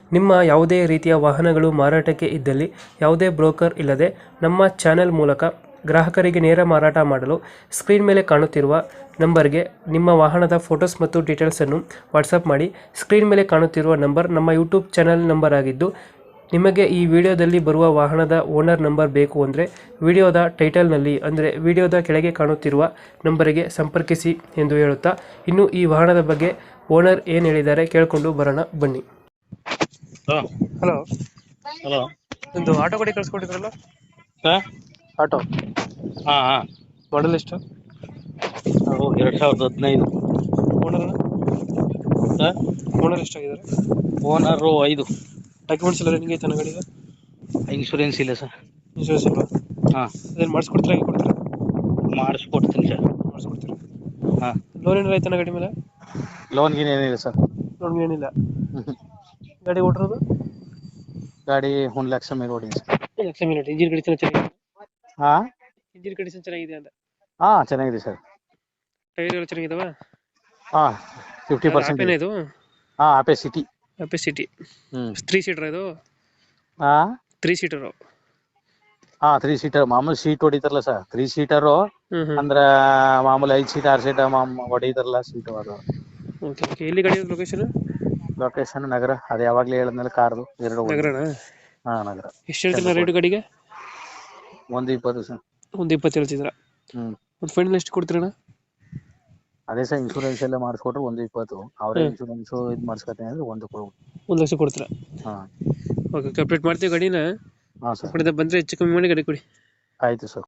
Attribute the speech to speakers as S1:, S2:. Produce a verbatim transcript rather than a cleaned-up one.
S1: ನಿಮ್ಮ ಯಾವುದೇ ರೀತಿಯ ವಾಹನಗಳು ಮಾರಾಟಕ್ಕೆ ಇದ್ದಲ್ಲಿ ಯಾವುದೇ ಬ್ರೋಕರ್ ಇಲ್ಲದೆ ನಮ್ಮ ಚಾನೆಲ್ ಮೂಲಕ ಗ್ರಾಹಕರಿಗೆ ನೇರ ಮಾರಾಟ ಮಾಡಲು ಸ್ಕ್ರೀನ್ ಮೇಲೆ ಕಾಣುತ್ತಿರುವ ನಂಬರ್ಗೆ ನಿಮ್ಮ ವಾಹನದ ಫೋಟೋಸ್ ಮತ್ತು ಡೀಟೇಲ್ಸನ್ನು ವಾಟ್ಸಪ್ ಮಾಡಿ. ಸ್ಕ್ರೀನ್ ಮೇಲೆ ಕಾಣುತ್ತಿರುವ ನಂಬರ್ ನಮ್ಮ ಯೂಟ್ಯೂಬ್ ಚಾನೆಲ್ ನಂಬರ್ ಆಗಿದ್ದು, ನಿಮಗೆ ಈ ವಿಡಿಯೋದಲ್ಲಿ ಬರುವ ವಾಹನದ ಓನರ್ ನಂಬರ್ ಬೇಕು ಅಂದರೆ ವಿಡಿಯೋದ ಟೈಟಲ್ನಲ್ಲಿ ಅಂದರೆ ವಿಡಿಯೋದ ಕೆಳಗೆ ಕಾಣುತ್ತಿರುವ ನಂಬರಿಗೆ ಸಂಪರ್ಕಿಸಿ ಎಂದು ಹೇಳುತ್ತಾ, ಇನ್ನು ಈ ವಾಹನದ ಬಗ್ಗೆ ಓನರ್ ಏನು ಹೇಳಿದ್ದಾರೆ ಕೇಳಿಕೊಂಡು ಬರೋಣ ಬನ್ನಿ.
S2: ಹಲೋ
S1: ಹಲೋ,
S2: ಹಲೋ
S1: ಒಂದು ಆಟೋ ಗಾಡಿ ಕಳ್ಸ್ಕೊಟ್ಟಿದ್ರಲ್ಲ,
S2: ಸರ್.
S1: ಆಟೋ
S2: ಹಾಂ ಹಾಂ
S1: ಮಾಡಲ್ ಎಷ್ಟು?
S2: ನಾವು ಎರಡು ಸಾವಿರದ ಹದಿನೈದು
S1: ಓನರ್
S2: ಸರ್.
S1: ಓನರ್ ಎಷ್ಟಾಗಿದ್ದಾರೆ?
S2: ಓನರು ಐದು.
S1: ಡಾಕ್ಯುಮೆಂಟ್ಸ್ ಎಲ್ಲ ರನ್ನಿಂಗ್ ಐತೆ ಗಾಡಿಗೆ?
S2: ಇನ್ಶೂರೆನ್ಸ್ ಇಲ್ಲ ಸರ್.
S1: ಇನ್ಶೂರೆನ್ಸ್ ಇಲ್ವಾ?
S2: ಹಾಂ,
S1: ಅದೇನು ಮಾಡಿಸ್ಕೊಡ್ತೀರಾ, ಹೇಗೆ ಕೊಡ್ತೀರಾ?
S2: ಮಾಡಿಸ್ಕೊಡ್ತೀನಿ ಸರ್.
S1: ಮಾಡಿಸ್ಕೊಡ್ತೀರಾ?
S2: ಹಾಂ,
S1: ಲೋನ್ ಏನಾರ ಐತನ ಗಾಡಿ ಮೇಲೆ?
S2: ಲೋನ್ ಗೀನ್ ಏನಿಲ್ಲ ಸರ್.
S1: ಲೋನ್ ಏನಿಲ್ಲ.
S2: ಹ್ಞೂ
S1: ಗಾಡಿ ಓಡಿರೋದು
S2: ಗಾಡಿ ಒಂದು ಲಕ್ಷ ಮೇಲೆ ಓಡಿದೆ sir.
S1: Lakh minute. Engine condition ಚೆನ್ನಾಗಿದೆ?
S2: ಹಾಂ
S1: ಇಂಜಿನ್ ಕಂಡೀಷನ್ ಚೆನ್ನಾಗಿದೆ ಅಂತ?
S2: ಹಾಂ ಚೆನ್ನಾಗಿದೆ ಸರ್.
S1: ಟೈರ್ ಎಲ್ಲ ಚೆನ್ನಾಗಿದಾವ?
S2: ಹಾಂ ಫಿಫ್ಟಿ ಪರ್ಸೆಂಟ್
S1: ಆಪೇನ
S2: ಇದೆ.
S1: ಇದು?
S2: ಹಾಂ ಆಪೆ ಸಿಟಿ.
S1: Ape city.
S2: ಹ್ಞೂ
S1: ತ್ರೀ ಸೀಟರ್ ಇದು?
S2: ಹಾಂ
S1: ತ್ರೀ ಸೀಟರು?
S2: ಹಾಂ ತ್ರೀ ಸೀಟರ್. ಮಾಮೂಲಿ ಸೀಟ್ ಹೊಡಿತಾರಲ್ಲ ಸರ್, ತ್ರೀ ಸೀಟರು
S1: ಹ್ಞೂ ಹ್ಞೂ
S2: ಅಂದ್ರೆ ಮಾಮೂಲಿ ಐದು ಸೀಟ್ ಆರು ಸೀಟ್ ಮಾಮ್ ಹೊಡಿತಾರಲ್ಲ ಸೀಟು ಅದು.
S1: Okay okay. ಎಲ್ಲಿ ಗಾಡಿ ಲೊಕೇಶನ್?
S2: ಲೊಕೇಶನ್ ನಗರ. ಅದು ಯಾವಾಗಲೇ ಹೇಳಿದ್ಮೇಲೆ ಕಾರ್ದು ಎರಡು ಒಂದು.
S1: ನಗರನಾ?
S2: ಹಾಂ ನಗರ.
S1: ಎಷ್ಟು ಹೇಳ್ತಿಲ್ಲ ರೇಟು ಗಾಡಿಗೆ?
S2: ಒಂದು ಇಪ್ಪತ್ತು ಸರ್.
S1: ಒಂದು ಇಪ್ಪತ್ತು ಹೇಳ್ತಿದ್ರ?
S2: ಹ್ಞೂ
S1: ಒಂದು ಫೈನಲ್ ಎಷ್ಟು ಕೊಡ್ತೀರಣ್ಣ?
S2: ಅದೇ ಸರ್, ಇನ್ಶೂರೆನ್ಸ್ ಎಲ್ಲ ಮಾಡಿಸ್ಕೊಟ್ರೆ ಒಂದು ಇಪ್ಪತ್ತು. ಅವರೇ
S1: ಹ್ಮ್.
S2: ಇನ್ಶೂರೆನ್ಸು ಇದು ಮಾಡಿಸ್ಕೊತೀನಿ ಅಂದರೆ ಒಂದು ಕೊಡು.
S1: ಒಂದು ಲಕ್ಷ ಕೊಡ್ತೀರಾ?
S2: ಹಾಂ
S1: ಓಕೆ, ಕಂಪ್ಲೀಟ್ ಮಾಡ್ತೀವಿ ಗಾಡಿನ.
S2: ಹಾಂ ಸರ್.
S1: ಕಡೆಯಿಂದ ಬಂದರೆ ಹೆಚ್ಚು ಕಮ್ಮಿ ಮಾಡಿ ಗಾಡಿ ಕೊಡಿ.
S2: ಆಯಿತು ಸರ್.